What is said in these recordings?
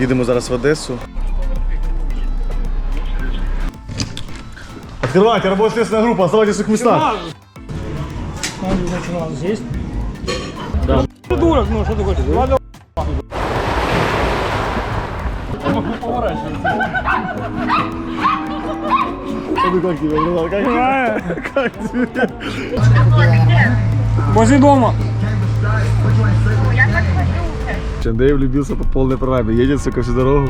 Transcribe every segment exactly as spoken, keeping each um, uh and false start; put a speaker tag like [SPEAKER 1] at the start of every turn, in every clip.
[SPEAKER 1] Їдемо зараз в Одесу. Открывайте, работает следственная группа, оставайтесь в своих местах.
[SPEAKER 2] Здесь? Да. Придурок, ну что ты хочешь? Ладно.
[SPEAKER 1] Ну как тебе, братан, как, как тебе?
[SPEAKER 2] Возле дома.
[SPEAKER 1] Андрей влюбился по полной программе, едет, сука, всю дорогу.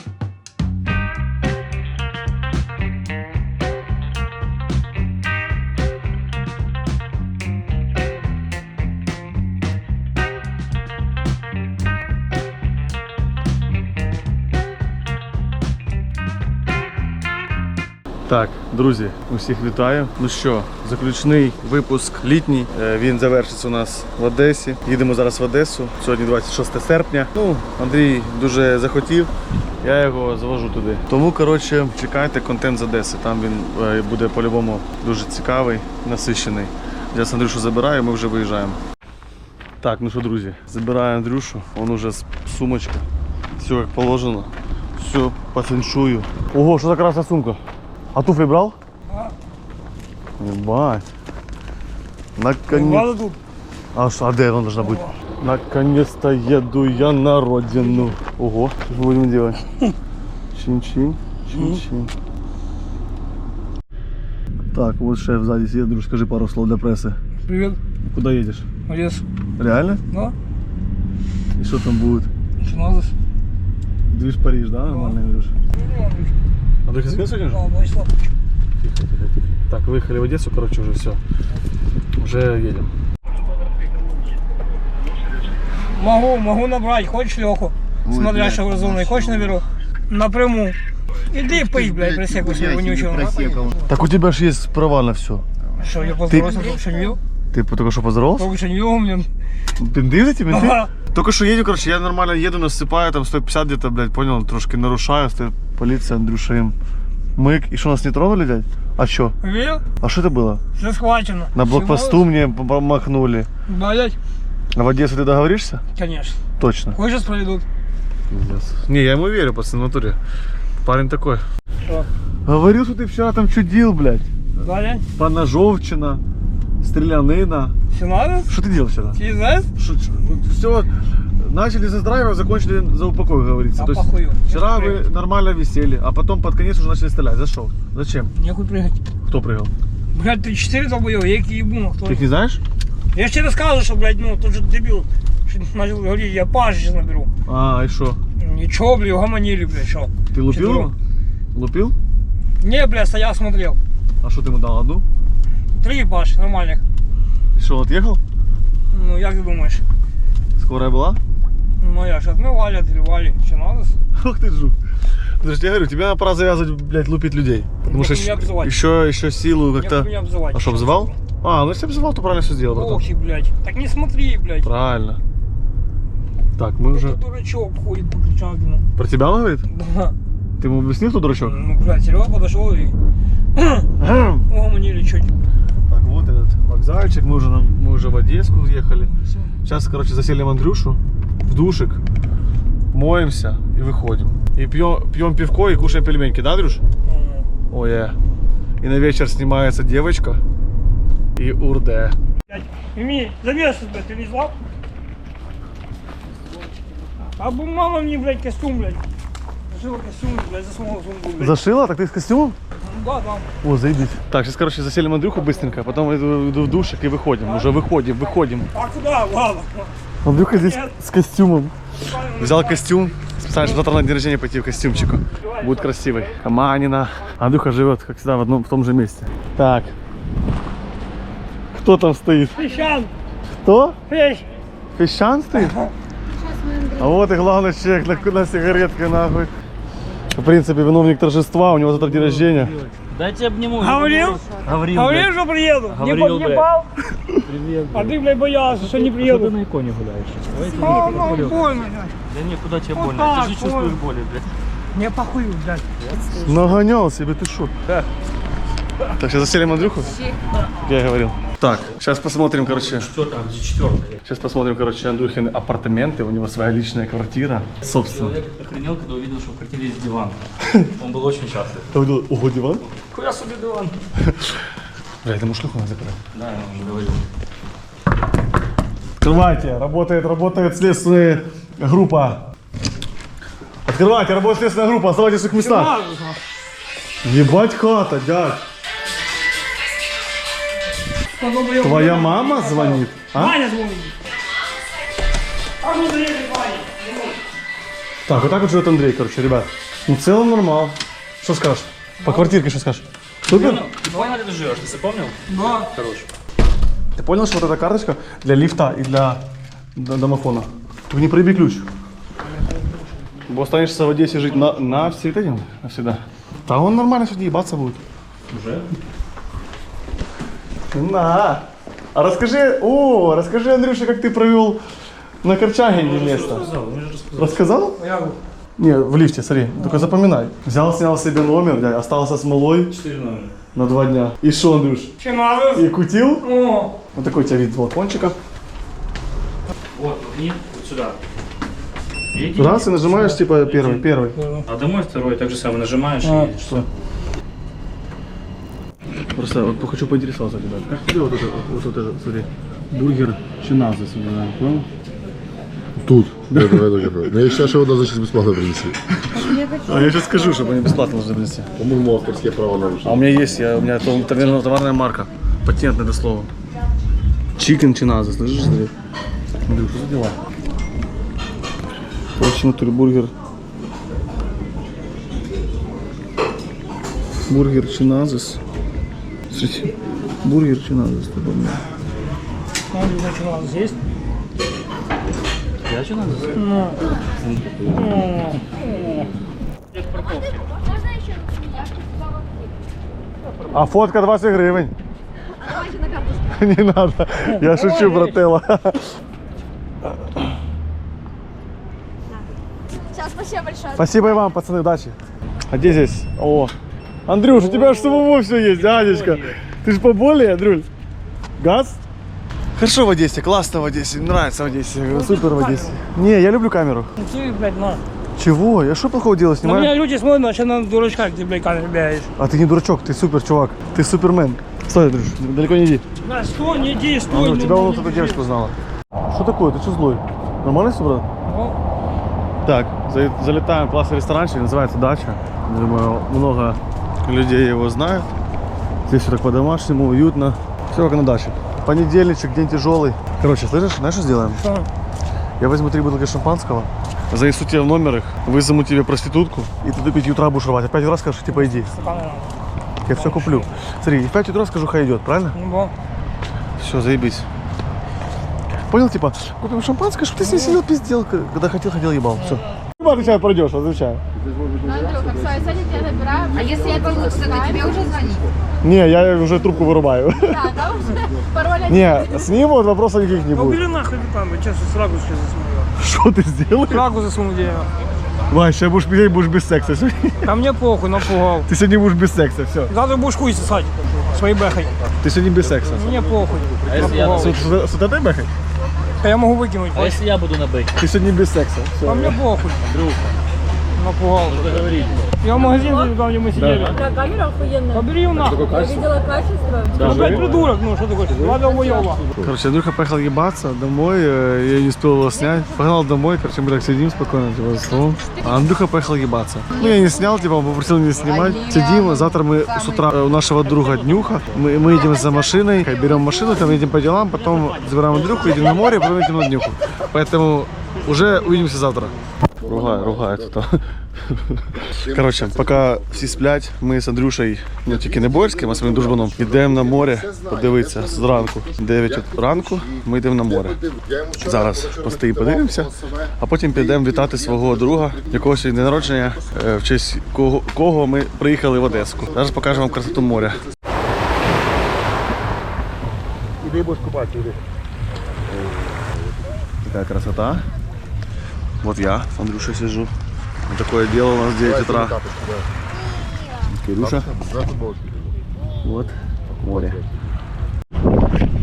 [SPEAKER 1] Так, друзі, усіх вітаю. Ну що, заключний випуск літній. Він завершиться у нас в Одесі. Їдемо зараз в Одесу. Сьогодні двадцять шосте серпня. Ну, Андрій дуже захотів, я його завожу туди. Тому, коротше, чекайте контент з Одеси. Там він буде по-любому дуже цікавий, насичений. Зараз Андрюшу забираю, ми вже виїжджаємо. Так, ну що, друзі, забираю Андрюшу. Он уже з сумочка. Все як положено. Все по феншую. Ого, що за красна сумка? А туфли брал?
[SPEAKER 2] Да.
[SPEAKER 1] Ебать. Наконец... А что, а где она должна быть? Наконец-то еду я на родину. Ого, что же будем делать? Чин-чин, чин-чин. Так, вот шеф сзади сидит. Друг, скажи пару слов для прессы.
[SPEAKER 2] Привет.
[SPEAKER 1] Куда едешь?
[SPEAKER 2] В Одессу.
[SPEAKER 1] Реально?
[SPEAKER 2] Да.
[SPEAKER 1] И что там будет?
[SPEAKER 2] Чиназис.
[SPEAKER 1] Движ Париж, да? Нормально, Андрюш? Андрюх, ты себе сегодня же?
[SPEAKER 2] Да, Владислав.
[SPEAKER 1] Тихо, тихо, тихо. Так, выехали в Одессу, короче, уже все. Уже едем.
[SPEAKER 2] Могу, могу набрать. Хочешь Леху? Смотрящего разумный. Хочешь наберу? Напрямую. Иди пить, блядь, просеку себе вонючего.
[SPEAKER 1] Так у тебя же есть права на все.
[SPEAKER 2] Что, я поздоровался, только что не видел?
[SPEAKER 1] Ты только что поздоровался?
[SPEAKER 2] Только что не видел, блин.
[SPEAKER 1] Бинты за тебя?
[SPEAKER 2] Ага.
[SPEAKER 1] Только что едем, короче, я нормально еду, насыпаю, там сто пятьдесят где-то, блядь, понял, трошки нарушаю, стоит полиция, Андрюша им мык. И что, нас не тронули, дядь? А что?
[SPEAKER 2] Видел?
[SPEAKER 1] А что это было?
[SPEAKER 2] Все схвачено.
[SPEAKER 1] На блокпосту мне помахнули.
[SPEAKER 2] Блядь.
[SPEAKER 1] А в Одессу ты договоришься?
[SPEAKER 2] Конечно.
[SPEAKER 1] Точно.
[SPEAKER 2] Хочешь проведут?
[SPEAKER 1] Не, я ему верю, пацан, в натуре. Парень такой.
[SPEAKER 2] Что?
[SPEAKER 1] Говорил, что ты вчера там чудил, блядь.
[SPEAKER 2] Блядь.
[SPEAKER 1] Поножовщина, стрелянина.
[SPEAKER 2] Все надо?
[SPEAKER 1] Что ты делал вчера?
[SPEAKER 2] Ты знаешь?
[SPEAKER 1] Все, начали за драйва, закончили за упокой, говорится.
[SPEAKER 2] А
[SPEAKER 1] То есть
[SPEAKER 2] похую.
[SPEAKER 1] вчера
[SPEAKER 2] Нехуй
[SPEAKER 1] вы нормально висели, а потом под конец уже начали стрелять. За что? Зачем?
[SPEAKER 2] Нехуй прыгать.
[SPEAKER 1] Кто прыгал?
[SPEAKER 2] Блядь, ты четыре долбоёб, я их ебу, кто?
[SPEAKER 1] Ты их не знаешь?
[SPEAKER 2] Я же тебе рассказывал, что, блядь, ну, тот же дебил, что начал говорить, я Пашу сейчас наберу.
[SPEAKER 1] А, и что?
[SPEAKER 2] Ничего, блядь, угомонили, блядь, что?
[SPEAKER 1] Ты лупил
[SPEAKER 2] Четверо.
[SPEAKER 1] его? Лупил?
[SPEAKER 2] Не, блядь, стоял, смотрел.
[SPEAKER 1] А что ты ему дал? Одну?
[SPEAKER 2] Три Паши, нормальных.
[SPEAKER 1] И что, отъехал?
[SPEAKER 2] Ну, як ты думаешь?
[SPEAKER 1] Скорая была?
[SPEAKER 2] Ну, я же отмывали, отливали, что надо?
[SPEAKER 1] Ох ты жук. Слушай, я говорю, тебе пора завязывать, блядь, лупить людей. Потому
[SPEAKER 2] Нехуй
[SPEAKER 1] что
[SPEAKER 2] меня обзывать.
[SPEAKER 1] еще, еще силу как-то...
[SPEAKER 2] Нехуй меня обзывать.
[SPEAKER 1] А что, обзывал? А, ну если обзывал, то правильно все сделал, братан.
[SPEAKER 2] Охи, блядь. Так не смотри, блядь.
[SPEAKER 1] Правильно. Так, мы уже...
[SPEAKER 2] Этот дурачок ходит по Кричагину.
[SPEAKER 1] Про тебя он говорит?
[SPEAKER 2] Да.
[SPEAKER 1] Ты ему объяснил, кто дурачок?
[SPEAKER 2] Ну, блядь, Серега подошел и... Угомонили чуть.
[SPEAKER 1] Так, вот этот вокзальчик, мы уже, на- мы уже в Одессу уехали. Сейчас, короче, заселим Андрюшу в душик, моемся и выходим. И пьем, пьем пивко и кушаем пельменьки, да, Андрюш? Ой, э. И на вечер снимается девочка и урде.
[SPEAKER 2] Блядь, Мими, замешивай, блядь, ты не злал? А бы мама мне, блядь, костюм, блядь. Зашила костюм, блядь, засунула сумку, блядь.
[SPEAKER 1] Зашила? Так ты с костюмом?
[SPEAKER 2] Ну да, там.
[SPEAKER 1] О, заебись. Так, сейчас, короче, заселим Андрюху быстренько, потом иду, иду в душик и выходим. Уже выходим, выходим.
[SPEAKER 2] А куда? Ладно.
[SPEAKER 1] Андрюха здесь с костюмом. Взял костюм. Специально, чтобы завтра на день рождения пойти в костюмчику. Будет красивый. Каманина. Андрюха живет, как всегда, в одном в том же месте. Так. Кто там стоит?
[SPEAKER 2] Пещан,
[SPEAKER 1] Кто?
[SPEAKER 2] пещ.
[SPEAKER 1] Песчан стоит? А вот и главный человек на, на сигаретке, нахуй. В принципе, виновник торжества, у него завтра день рождения.
[SPEAKER 3] Дайте обниму.
[SPEAKER 2] Говорил?
[SPEAKER 3] Говорил,
[SPEAKER 2] Говорил, что приеду. Не
[SPEAKER 3] Говорил,
[SPEAKER 2] подъебал.
[SPEAKER 3] Привет,
[SPEAKER 2] А ты, блядь, боялся, что не
[SPEAKER 3] Что ты
[SPEAKER 2] приеду.
[SPEAKER 3] на иконе гуляешь? Давайте
[SPEAKER 2] А,
[SPEAKER 3] на
[SPEAKER 2] ну,
[SPEAKER 3] иконе.
[SPEAKER 2] больно, блядь.
[SPEAKER 3] Да не, куда тебе
[SPEAKER 2] Вот
[SPEAKER 3] больно?
[SPEAKER 2] так,
[SPEAKER 3] Ты же чувствуешь
[SPEAKER 2] больно.
[SPEAKER 3] боли, блядь.
[SPEAKER 2] Не похую, блядь.
[SPEAKER 1] Нагонял себе, ты шо? Так, сейчас заселим Андрюху, как я говорил. Так, сейчас посмотрим, короче.
[SPEAKER 3] Четвертая, где четвертая?
[SPEAKER 1] Сейчас посмотрим, короче, Андрюхины апартаменты. У него своя личная квартира. Собственно.
[SPEAKER 3] Человек охренел, когда увидел, что в квартире есть диван. Он был очень счастлив.
[SPEAKER 1] Ты увидел, ого, диван?
[SPEAKER 3] Хуя себе диван.
[SPEAKER 1] Бля, это шлюху надо закрыть.
[SPEAKER 3] Да, я вам уже говорил.
[SPEAKER 1] Открывайте, работает, работает следственная группа. Открывайте, работает следственная группа, оставайтесь в своих местах. Ебать хата, дядь. Твоя мама звонит? А?
[SPEAKER 2] Ваня звонит. А ну заедет Ваня.
[SPEAKER 1] Так, вот так вот живет Андрей, короче, ребят. Ну, в целом нормал. Что скажешь? По квартирке что скажешь? Супер?
[SPEAKER 3] Давай на ты живешь, ты запомнил?
[SPEAKER 2] Да.
[SPEAKER 3] Хорош.
[SPEAKER 1] Ты понял, что вот эта карточка для лифта и для д- домофона? Только не проеби ключ. Бо останешься в Одессе жить на, навсегда, навсегда. Да он нормально сегодня ебаться будет.
[SPEAKER 3] Уже?
[SPEAKER 1] На. А расскажи, о, расскажи, Андрюша, как ты провел на Корчагине место.
[SPEAKER 3] Рассказал, мне же рассказал.
[SPEAKER 1] Рассказал?
[SPEAKER 2] Я говорю.
[SPEAKER 1] Не, в лифте, смотри, только запоминай. Взял, снял себе номер, дядь, остался с малой
[SPEAKER 3] Четыре номера.
[SPEAKER 1] на два дня. И шо, Андрюш?
[SPEAKER 2] Че надо?
[SPEAKER 1] И кутил?
[SPEAKER 2] О,
[SPEAKER 1] Вот такой у тебя вид балкончика.
[SPEAKER 3] Вот, и вот сюда. Видите?
[SPEAKER 1] Раз и нажимаешь, типа, первый, первый.
[SPEAKER 3] А домой второй, так же самое нажимаешь
[SPEAKER 2] А,
[SPEAKER 3] и едешь.
[SPEAKER 1] Что? Просто вот хочу поинтересоваться тебя. Как тебе вот это, вот, вот это, смотри, бургер чиназа сегодня, понял?
[SPEAKER 4] Тут. Я говорю, какой. Но я считаю, что его должны сейчас бесплатно принести.
[SPEAKER 1] А я сейчас скажу, чтобы они бесплатно должны принести.
[SPEAKER 4] По-моему, авторские права нарушены.
[SPEAKER 1] А у меня есть, я, у меня то- наверное, товарная марка. Патент на это слово. Чикен чиназа, слышишь, смотри? Андрюх, что за дела? Очень натуре бургер. Бургер чиназис. Смотрите, бургер чиназис. ты помнишь?
[SPEAKER 2] надо что надо есть.
[SPEAKER 3] Я что надо?
[SPEAKER 2] Ну.
[SPEAKER 3] Я в парковке.
[SPEAKER 5] Можна ще я сказала кліп?
[SPEAKER 1] А фотка двадцать гривень.
[SPEAKER 5] А давайте на карту.
[SPEAKER 1] Не надо, я шучу, брателло.
[SPEAKER 5] Сейчас, спасибо большое.
[SPEAKER 1] Спасибо и вам, пацаны, удачи. А где здесь? О, Андрюш, у тебя же самого все есть, Анечка. Ты же поболее, Андрюль. Газ? Хорошо в Одессе, классно в Одессе, нравится в Одессе, супер в Одессе. Не, я люблю камеру.
[SPEAKER 2] Ты, блядь, на.
[SPEAKER 1] Чего? Я что плохого делаю,
[SPEAKER 2] На меня
[SPEAKER 1] снимаю?
[SPEAKER 2] люди смотрят, а сейчас на дурачка, как ты, блядь, камеру бегаешь.
[SPEAKER 1] А ты не дурачок, ты супер чувак, ты супермен. Стой, Андрюш, далеко не иди.
[SPEAKER 2] На, стой, не иди,
[SPEAKER 1] А,
[SPEAKER 2] стой.
[SPEAKER 1] ну,
[SPEAKER 2] ну,
[SPEAKER 1] тебя
[SPEAKER 2] ну,
[SPEAKER 1] вон
[SPEAKER 2] не
[SPEAKER 1] эта
[SPEAKER 2] иди.
[SPEAKER 1] девочка узнала. Что такое? Ты что злой? Нормально все, брат?
[SPEAKER 2] Ну,
[SPEAKER 1] Так, за- залетаем в классный ресторанчик, называется «Дача». Думаю, много людей его знают. Здесь все так по-домашнему, уютно. Все как на даче. Понедельничек, день тяжелый. Короче, слышишь, знаешь, что сделаем?
[SPEAKER 2] что?
[SPEAKER 1] Я возьму три бутылки шампанского, занесу тебе в номер их, вызову тебе проститутку, и ты до пяти утра будешь рвать. А в пять утра скажешь, типа, иди.
[SPEAKER 2] Стаканы надо.
[SPEAKER 1] Я все куплю. Смотри, и в пять утра скажу, хай идет, правильно?
[SPEAKER 2] Ну, бо.
[SPEAKER 1] Все, заебись. Понял, типа, купим шампанское, чтобы ты здесь сидел, пиздел, когда хотел, хотел, ебал. Все. Отвечай, пройдешь, отвечаю.
[SPEAKER 5] Ну, Андрюха, все, я сегодня тебя забираю. А если я получится, то тебе уже звонить?
[SPEAKER 1] Не, я уже трубку вырубаю.
[SPEAKER 5] Да, да, уже? Пароль один.
[SPEAKER 1] Не, с ним вот вопросов никаких не
[SPEAKER 2] Ну,
[SPEAKER 1] будет.
[SPEAKER 2] убери нахуй там, я честно, срагу сейчас засуну.
[SPEAKER 1] Что ты сделаешь?
[SPEAKER 2] Срагу засуну дерево.
[SPEAKER 1] Вань, сейчас будешь пить, будешь без секса.
[SPEAKER 2] А мне похуй, напугал.
[SPEAKER 1] Ты сегодня будешь без секса, все.
[SPEAKER 2] Завтра будешь хуй сосать своей бэхой.
[SPEAKER 1] Ты сегодня без секса.
[SPEAKER 2] Мне похуй.
[SPEAKER 3] А если я,
[SPEAKER 2] Напугал.
[SPEAKER 1] С, с- с вот этой бэхой?
[SPEAKER 2] А я могу выкинуть.
[SPEAKER 3] а если я буду на бэке?
[SPEAKER 1] Ты сегодня без секса.
[SPEAKER 2] А мне
[SPEAKER 1] Все.
[SPEAKER 2] похуй.
[SPEAKER 3] Друг,
[SPEAKER 2] Напугал.
[SPEAKER 3] договорились.
[SPEAKER 2] Я в магазин зайду, там, где мы сидели.
[SPEAKER 6] Да, камера охуенная.
[SPEAKER 2] Побери его нахуй.
[SPEAKER 6] Я видела качество.
[SPEAKER 2] Ну, блядь, придурок, ну что ты хочешь? Два долбоеба.
[SPEAKER 1] Короче, Андрюха поехал ебаться домой, э, я не успел его снять. Погнал домой, короче, мы так сидим спокойно, типа, за столом. А Андрюха поехал ебаться. Ну, я не снял, типа, он попросил меня снимать. Сидим, завтра мы с утра у нашего друга Днюха, мы, мы едем за машиной, берем машину, там едем по делам, потом забираем Андрюху, едем на море, потом едем на Днюху. Поэтому уже увидимся завтра. Ругаю, ругаю тут. Коротше, поки всі сплять, ми з Андрюшею, ну тільки не Борським, а своїм дружбаном, йдемо на море подивитися зранку. дев'ять ранку ми йдемо на море. Зараз постоїмо, подивимося, а потім підемо вітати свого друга, якого сьогодні день народження, е, в честь кого, кого ми приїхали в Одеску. Зараз покажу вам красоту моря. Іди будеш купатися, іди. Така красота. Вот я с Андрюшей сижу. Вот такое дело у нас в девять утра. Кирюша. Вот море.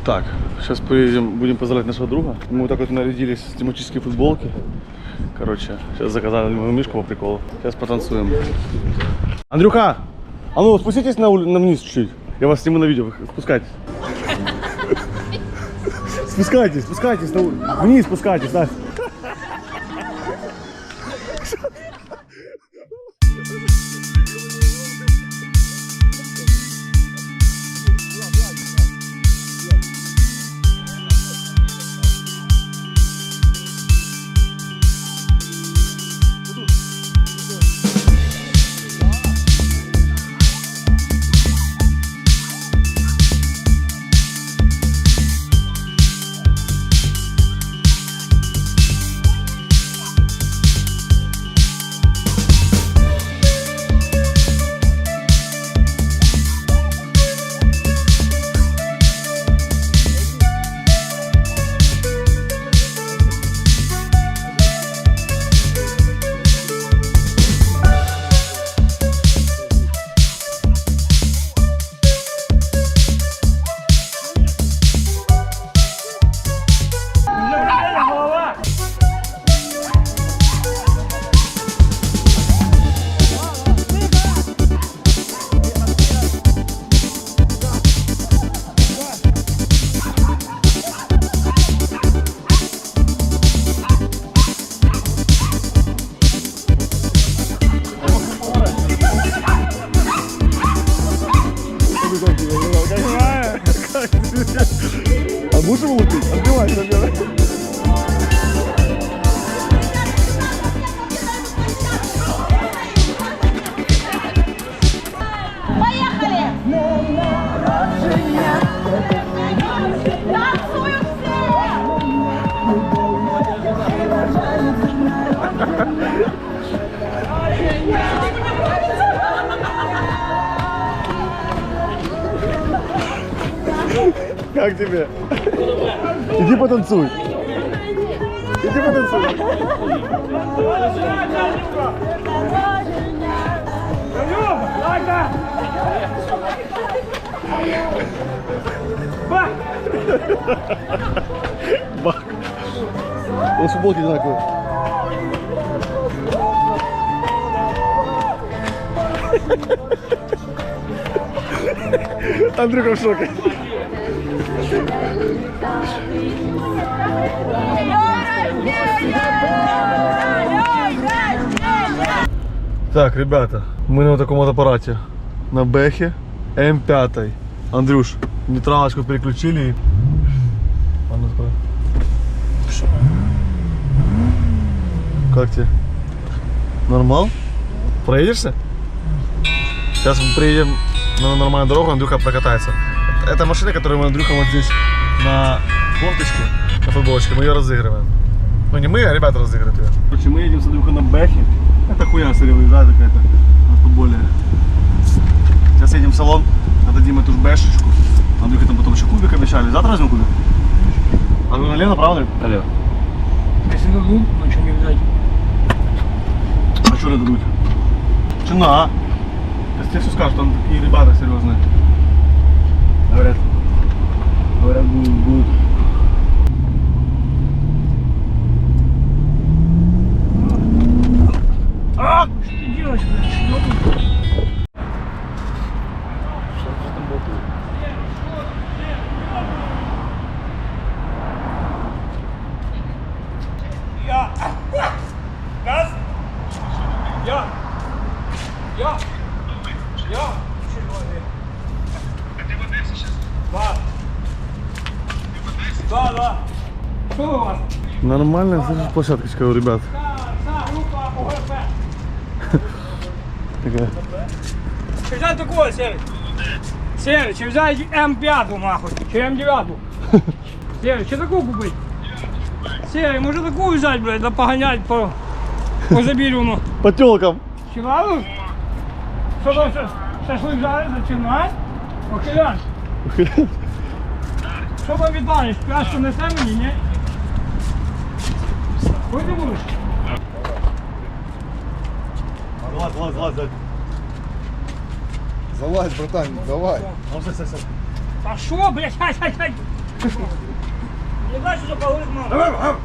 [SPEAKER 1] Так, сейчас поедем, будем поздравлять нашего друга. Мы вот так вот нарядились в тематические футболки. Короче, сейчас заказали мою мишку по приколу. Сейчас потанцуем. Андрюха, а ну спуститесь на, ули- на вниз чуть-чуть. Я вас сниму на видео, спускайтесь. Спускайтесь, спускайтесь, на... у- вниз спускайтесь, Настя. А будешь его лупить? Отбивай, отбивай.
[SPEAKER 5] Поехали! Танцуем
[SPEAKER 1] Как тебе? Иди потанцуй. Иди потанцуй. Бак. Он футболки одинаковые. Андрюха в шоке. Так, ребята, мы на вот таком вот аппарате. На Бэхе эм пять. Андрюш, нейтралочку переключили и... А ну открой. Как тебе? Нормал? Проедешься? Сейчас мы приедем на нормальную дорогу, Андрюха прокатается. Это машина, которую мы Андрюха вот здесь на кофточке, на футболочке, мы ее разыгрываем. Ну не мы, а ребята разыгрывают ее. Короче, мы едем с Андрюхой на Бэхе. Это хуйня, смотри, выезжает какая-то на футболе. Сейчас едем в салон, отдадим эту ж бэшечку. Андрюха там потом еще кубик обещали. Завтра возьмем кубик? А вы налево, правда? Налево.
[SPEAKER 2] Если дадут, ну что не взять?
[SPEAKER 1] А что надо дуть? Цена. Сейчас тебе все скажут, там такие ребята серьезные. Говорят, говорят, будут, будут. А!
[SPEAKER 2] Что ты делаешь, блядь? Что ты? Я! Газ! Я! Я! Я! Да. Да, да. Что у вас?
[SPEAKER 1] Нормальная слышишь, площадочка у ребят.
[SPEAKER 2] Да, группа ОГП.
[SPEAKER 1] Такая.
[SPEAKER 2] Чи взять такого, Серый? Серый, чи взять эм пять нахуй, чи эм девять? Серый, чи такую купить? Серый, може такую взять, блядь, да погонять по, по Забірюну?
[SPEAKER 1] По тёлкам.
[SPEAKER 2] Чи ладно? Що там, ша- шашлик жариться, чи не? Охилян. Що там віддалиш? Пляшку несе мені, ні? Куди ти будеш?
[SPEAKER 1] Залазь, залазь, залазь, залазь.
[SPEAKER 4] Залазь, братан, давай.
[SPEAKER 1] Ну, все, все, все.
[SPEAKER 2] А що, блядь, ай, ай, ай. Не знаю, что поговорит мама.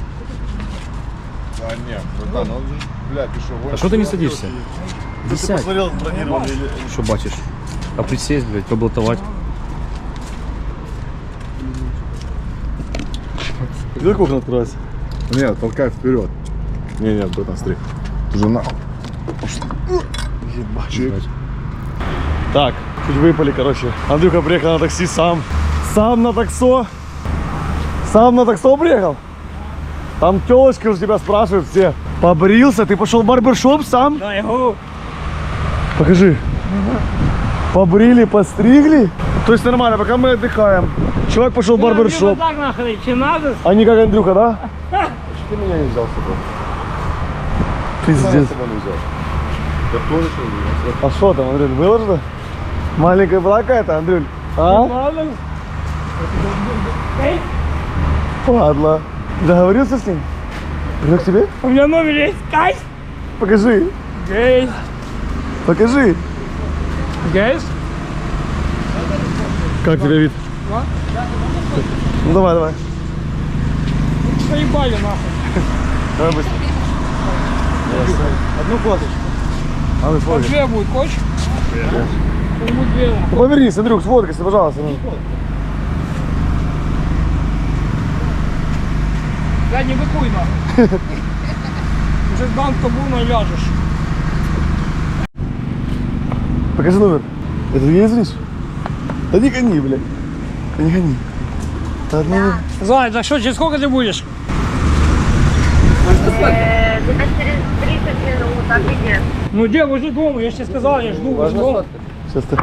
[SPEAKER 4] А нет, братан, он же, бля, пешеходный.
[SPEAKER 3] А что ты не садишься?
[SPEAKER 1] Ты посмотрел, бронировал или...
[SPEAKER 3] Что бачишь? А присесть, блядь, поблатовать.
[SPEAKER 1] Где окна открывается?
[SPEAKER 4] Нет, толкай вперед. Не, нет, братан, смотри. Ты же нахуй. Чик.
[SPEAKER 1] Так, чуть выпали, короче. Андрюха приехал на такси сам. Сам на таксо. Сам на таксо приехал? Там телочка уже тебя спрашивают все. Побрился? Ты пошел в барбершоп сам?
[SPEAKER 2] Да, я говорю.
[SPEAKER 1] Покажи. Побрили, постригли? То есть нормально, пока мы отдыхаем. Чувак пошел в барбершоп.
[SPEAKER 2] Так нахрен, чем надо?
[SPEAKER 1] А не как Андрюха, да?
[SPEAKER 4] Ты меня не взял с собой.
[SPEAKER 1] Пиздец.
[SPEAKER 4] С собой не взял. Я тоже что ли?
[SPEAKER 1] А что там, Андрюль, выложено? Маленькая была какая-то, Андрюль? А?
[SPEAKER 2] Ладно. Эй,
[SPEAKER 1] Падла. Договорился с ним? Придет к тебе?
[SPEAKER 2] у меня номер есть. Кайс.
[SPEAKER 1] Покажи.
[SPEAKER 2] Гейс.
[SPEAKER 1] Покажи.
[SPEAKER 2] Гейс.
[SPEAKER 1] Как тебе вид?
[SPEAKER 2] А?
[SPEAKER 1] Ну давай, давай.
[SPEAKER 2] Заебали нахуй.
[SPEAKER 1] Давай быстро. Одну фоточку. А ну
[SPEAKER 2] А
[SPEAKER 1] сфоткай.
[SPEAKER 2] две будет, хочешь? Будет две.
[SPEAKER 1] Ну, повернись, Андрюк, сфоткайся, пожалуйста. ну.
[SPEAKER 2] Да не быкуй нахуй. Уже дам табуна ляжешь.
[SPEAKER 1] Покажи номер. Это ты ездишь? Да не гони, бля. Да не гони. Да, ну,
[SPEAKER 2] Зай, так что, через сколько ты будешь?
[SPEAKER 7] Где-то через тридцать минут, а где?
[SPEAKER 2] Ну где, возле дома, я же тебе сказал, я жду возле дома.
[SPEAKER 1] сейчас ты.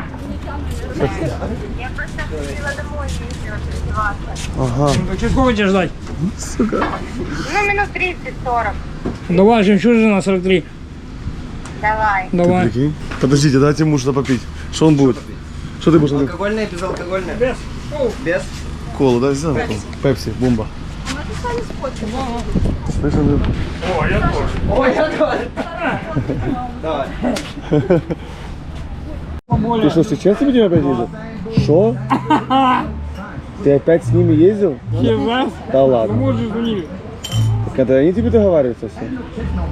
[SPEAKER 7] Я просто ходила домой, ездила переодеваться.
[SPEAKER 1] Ага.
[SPEAKER 2] Ну, так через сколько тебе ждать?
[SPEAKER 1] Сука.
[SPEAKER 7] Ну, минут тридцать-сорок.
[SPEAKER 2] Давай, жемчужина сорок три.
[SPEAKER 7] Давай.
[SPEAKER 2] Давай.
[SPEAKER 1] Прикинь. Подождите, дайте ему что-то попить. Что он будет? Что ты будешь? Андрюк?
[SPEAKER 8] Алкогольное, безалкогольное?
[SPEAKER 2] Без.
[SPEAKER 8] Без?
[SPEAKER 1] Колу, да, взял? Колу. Пепси, бомба. Слышь, Андрюк?
[SPEAKER 8] Ой, я тоже. Давай.
[SPEAKER 1] Ты что, сейчас с ними опять ездил? Что? Ты опять с ними ездил?
[SPEAKER 2] Через
[SPEAKER 1] Да ладно.
[SPEAKER 2] Мы уже звонили.
[SPEAKER 1] Так это они тебе договариваются все? Мне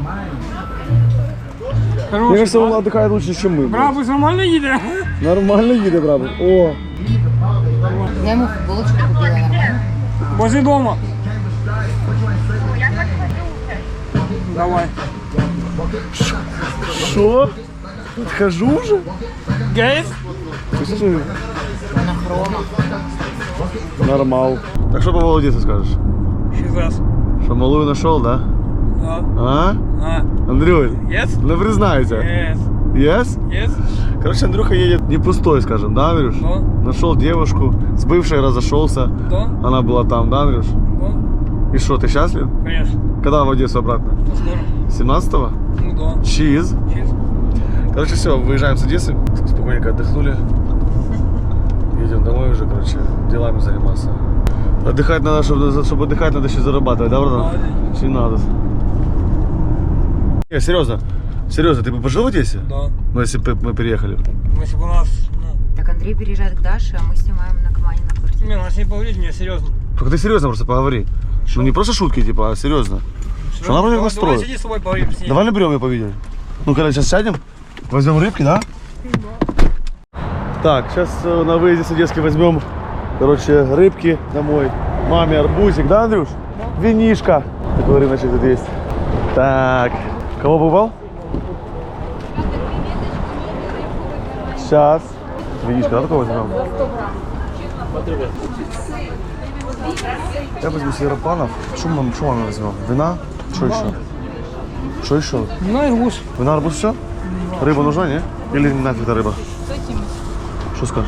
[SPEAKER 2] Короче,
[SPEAKER 1] кажется, он отдыхает лучше, чем мы. блядь.
[SPEAKER 2] брабус нормально едет?
[SPEAKER 1] Нормально едет, брабус. О,
[SPEAKER 5] Я ему футболочку купила нормально.
[SPEAKER 2] Возле дома. Давай.
[SPEAKER 1] что? Отхожу уже?
[SPEAKER 2] Гейс?
[SPEAKER 1] Ты слушай? Нормал. Так что по Володецу скажешь?
[SPEAKER 2] Сейчас.
[SPEAKER 1] Что малую нашел, да?
[SPEAKER 2] Да.
[SPEAKER 1] А?
[SPEAKER 2] А.
[SPEAKER 1] Андрюль,
[SPEAKER 2] Yes?
[SPEAKER 1] ну признайся.
[SPEAKER 2] Yes.
[SPEAKER 1] Yes?
[SPEAKER 2] Yes?
[SPEAKER 1] Короче, Андрюха едет не пустой, скажем, да, Андрюш?
[SPEAKER 2] Да.
[SPEAKER 1] Нашел девушку, с бывшей разошелся.
[SPEAKER 2] Да.
[SPEAKER 1] Она была там, да, Андрюш?
[SPEAKER 2] Да.
[SPEAKER 1] И что, ты счастлив?
[SPEAKER 2] Конечно.
[SPEAKER 1] Когда в Одессу обратно?
[SPEAKER 2] То скоро.
[SPEAKER 1] семнадцатого?
[SPEAKER 2] Ну да.
[SPEAKER 1] Чиз.
[SPEAKER 2] Чиз.
[SPEAKER 1] Короче, все, выезжаем с Одессы. Спокойненько отдохнули. Едем домой уже, короче, делами заниматься. Отдыхать надо, чтобы, чтобы отдыхать, надо еще зарабатывать, да, братан? Не надо. Не, серьезно. Серьезно, ты бы пожил в Одессе?
[SPEAKER 2] Да.
[SPEAKER 1] Ну, если бы мы переехали.
[SPEAKER 2] Ну, если бы у нас, ну,
[SPEAKER 5] Так Андрей переезжает к Даше, а мы снимаем на Камане на квартире.
[SPEAKER 2] не, надо с ней поговорить, мне серьезно.
[SPEAKER 1] Только ты серьезно просто поговори. Ну не просто шутки, типа, а серьезно. Что она вроде
[SPEAKER 2] Давай,
[SPEAKER 1] настроит?
[SPEAKER 2] давай, сиди с тобой поговорим с ней.
[SPEAKER 1] Давай наберем ее по видео. Ну, когда сейчас сядем, возьмем рыбки, да? Так, сейчас э, на выезде с Одесски возьмем, короче, рыбки домой. Маме арбузик, да, Андрюш? Винишка. Такой рыночек тут есть. Так, кого бывал? Сейчас. Винишка, да, такого возьмем? Я возьму себе рапанов. Что мы, что мы возьмем? Вина? Что еще? Что еще?
[SPEAKER 2] Ну, арбуз.
[SPEAKER 1] Вина, арбуз, все? Рыба нужна, не? Или не нафиг эта рыба? Что скажешь?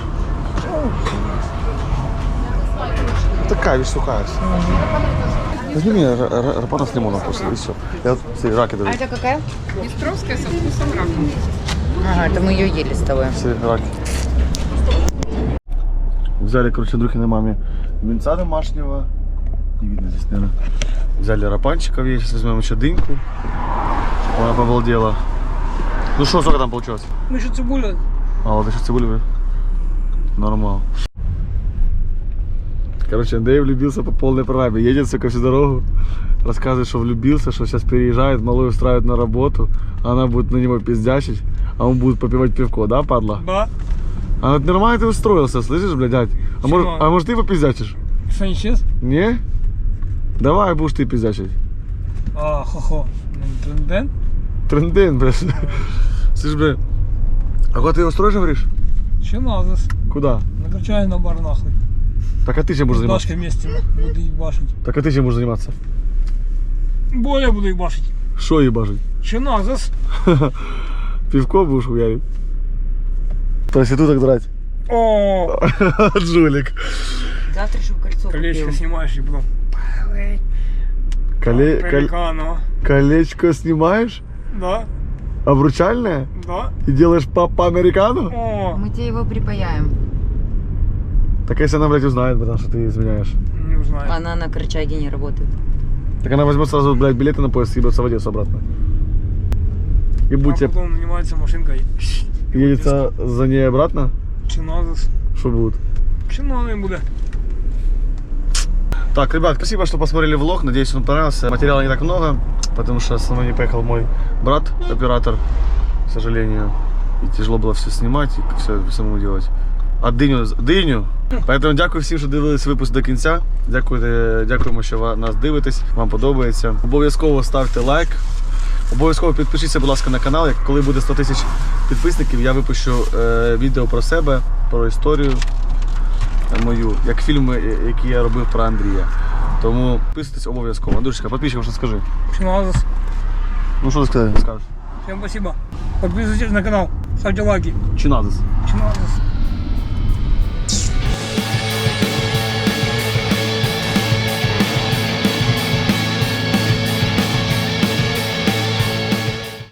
[SPEAKER 1] Такая вещь сухая. Возьми мне рапанов с лимоном просто, и все. Я вот все раки даю.
[SPEAKER 5] А это какая? Пестровская со вкусом рака. Ага, это мы ее ели с тобой.
[SPEAKER 1] Все раки. Взяли, короче, Андрюхиной маме винца домашнего. Не видно здесь, наверное. Взяли рапанчиков, ей сейчас возьмем еще дыньку. Она побалдела. Ну что, сколько там получилось?
[SPEAKER 2] Ну, еще цибуля.
[SPEAKER 1] А, вот еще цибуля, блин. Нормал. Короче, Андрей влюбился по полной программе. Едет, сука, всю дорогу. Рассказывает, что влюбился, что сейчас переезжает, малую устраивает на работу. Она будет на него пиздячить, а он будет попивать пивко, да, падла?
[SPEAKER 2] Да.
[SPEAKER 1] А вот нормально ты устроился, слышишь, блядь, дядь? А может, а может ты попиздячишь?
[SPEAKER 2] Что, не честно?
[SPEAKER 1] Не? Давай будешь ты пиздячить.
[SPEAKER 2] А, хо-хо. Тренден?
[SPEAKER 1] Тренден, блядь. Слышь, блядь. А куда ты его строишь, говоришь?
[SPEAKER 2] Че надо?
[SPEAKER 1] Куда?
[SPEAKER 2] Накачай на бар нахуй.
[SPEAKER 1] Так а ты чем будешь
[SPEAKER 2] С
[SPEAKER 1] заниматься?
[SPEAKER 2] Дашкой вместе буду ебашить.
[SPEAKER 1] Так а ты чем будешь заниматься?
[SPEAKER 2] Более буду ебашить.
[SPEAKER 1] Шо ебашить?
[SPEAKER 2] Че надо?
[SPEAKER 1] Пивко будешь хуярить? Проституток драть.
[SPEAKER 2] О,
[SPEAKER 1] Жулик.
[SPEAKER 6] Завтра, чтобы кольцо
[SPEAKER 2] колечко снимаешь и потом.
[SPEAKER 1] Коле... кол-
[SPEAKER 2] Пеликано.
[SPEAKER 1] Колечко снимаешь?
[SPEAKER 2] Да,
[SPEAKER 1] Обручальное?
[SPEAKER 2] да.
[SPEAKER 1] И делаешь папа американу?
[SPEAKER 2] О,
[SPEAKER 5] Мы тебе его припаяем.
[SPEAKER 1] Так если она, блядь, узнает, потому что ты изменяешь.
[SPEAKER 2] не знаю.
[SPEAKER 6] Она на Корчаге не работает.
[SPEAKER 1] Так она возьмет сразу, блядь, билеты на поезд и ебется в Одессу обратно. И
[SPEAKER 2] А
[SPEAKER 1] будет тебе
[SPEAKER 2] потом занимается машинкой.
[SPEAKER 1] едется за ней обратно?
[SPEAKER 2] Че надо?
[SPEAKER 1] Что будет?
[SPEAKER 2] Че надо им будет?
[SPEAKER 1] Так, ребят, спасибо, что посмотрели влог. Надеюсь, он понравился. Материала не так много, потому что со мной не поехал мой брат, оператор, к сожалению. І тяжело було все знімати і все самому робити. А диню, диню. Поэтому дякую всім, що дивились випуск до кінця. Дякую, дякуємо, що ви нас дивитесь, вам подобається. Обов'язково ставте лайк. Обов'язково підпишіться, будь ласка, на канал. Як коли буде сто тисяч підписників, я випущу е, відео про себе, про історію мою, як фільми, які я робив про Андрія. Тому підписуйтесь обов'язково. Андрюшка, підписчикам що скажи.
[SPEAKER 2] Че надо?
[SPEAKER 1] Ну що ти скажеш?
[SPEAKER 2] Всем спасибо. Подписывайтесь на канал, ставьте лайки.
[SPEAKER 1] Чи надо?
[SPEAKER 2] Че надо?